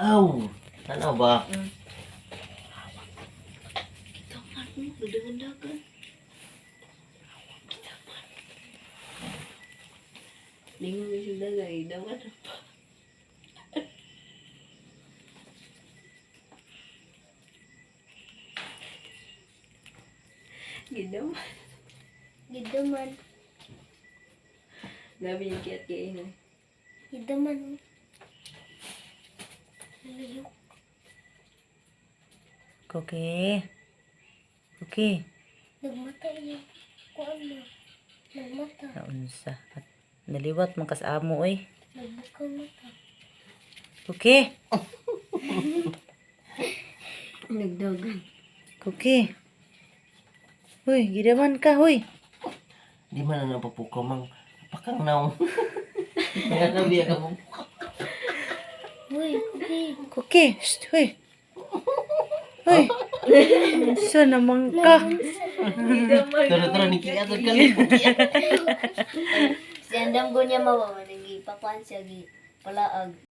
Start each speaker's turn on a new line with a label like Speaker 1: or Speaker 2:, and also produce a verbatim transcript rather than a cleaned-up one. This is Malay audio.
Speaker 1: Aw, ano ba?
Speaker 2: Mm. Kita man mo, dagan-dagan. Kita man. Lingon mo siya dagay, dawan na pa. Gidaman.
Speaker 3: Gidaman.
Speaker 2: Gabi yung kiyat kaya na.
Speaker 3: Gidaman. Lalayok.
Speaker 4: Cookie. Cookie.
Speaker 3: Nagmata niya. Kuan mo. Nagmata.
Speaker 4: Naunsa. At naliwat man kas amo oy.
Speaker 3: Nagbukang mata.
Speaker 4: Cookie.
Speaker 2: Nagdagan.
Speaker 4: Cookie. Hoy, gidaman ka, hoy.
Speaker 1: Di man na napapukaw mang apakang naong. Kaya nabiya ka mo.
Speaker 3: Uy, okay.
Speaker 4: Cookie. Shh, hoy. Hoy. Sa naman ka.
Speaker 1: Tara-tara ni kaya ka
Speaker 3: Si andam ko niya mawa. Nagi pakuan siya. Gi palaag.